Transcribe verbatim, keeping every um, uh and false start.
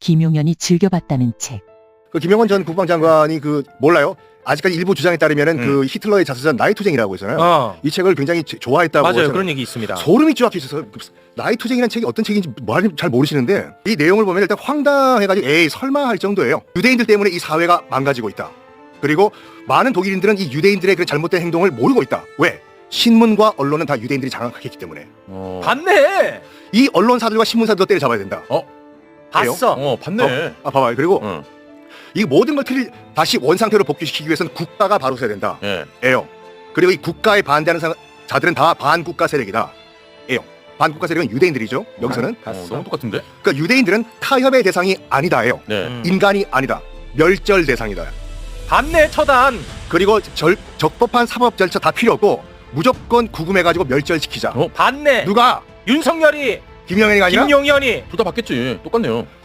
김용현이 즐겨봤다는 책. 그 김영원 전 국방장관이 그 몰라요? 아직까지 일부 주장에 따르면은 음. 그 히틀러의 자서전 나이투쟁이라고 있잖아요. 어. 이 책을 굉장히 제- 좋아했다고 맞아요. 하잖아요. 그런 얘기 있습니다. 소름이 쫙 끼쳐서 나이투쟁이라는 책이 어떤 책인지 말잘 모르시는데 이 내용을 보면 일단 황당해가지고 에이 설마 할 정도예요. 유대인들 때문에 이 사회가 망가지고 있다. 그리고 많은 독일인들은 이 유대인들의 그 잘못된 행동을 모르고 있다. 왜? 신문과 언론은 다 유대인들이 장악했기 때문에 어. 봤네. 이 언론사들과 신문사들도 때려잡아야 된다. 봤어. 어, 봤네. 아 봐봐요. 그리고 어. 이 모든 걸 틀리, 다시 원상태로 복귀시키기 위해서는 국가가 바로 서야 된다. 예. 에요. 그리고 이 국가에 반대하는 사- 자들은 다 반국가 세력이다. 에요. 반국가 세력은 유대인들이죠. 여기서는. 어, 너무 똑같은데? 그러니까 유대인들은 타협의 대상이 아니다예요. 네. 음. 인간이 아니다. 멸절 대상이다. 봤네 처단. 그리고 절, 적법한 사법 절차 다 필요 없고 무조건 구금해가지고 멸절시키자. 어? 봤네. 누가? 윤석열이 김영현이가 아니라? 김용현이 둘 다 봤겠지. 똑같네요.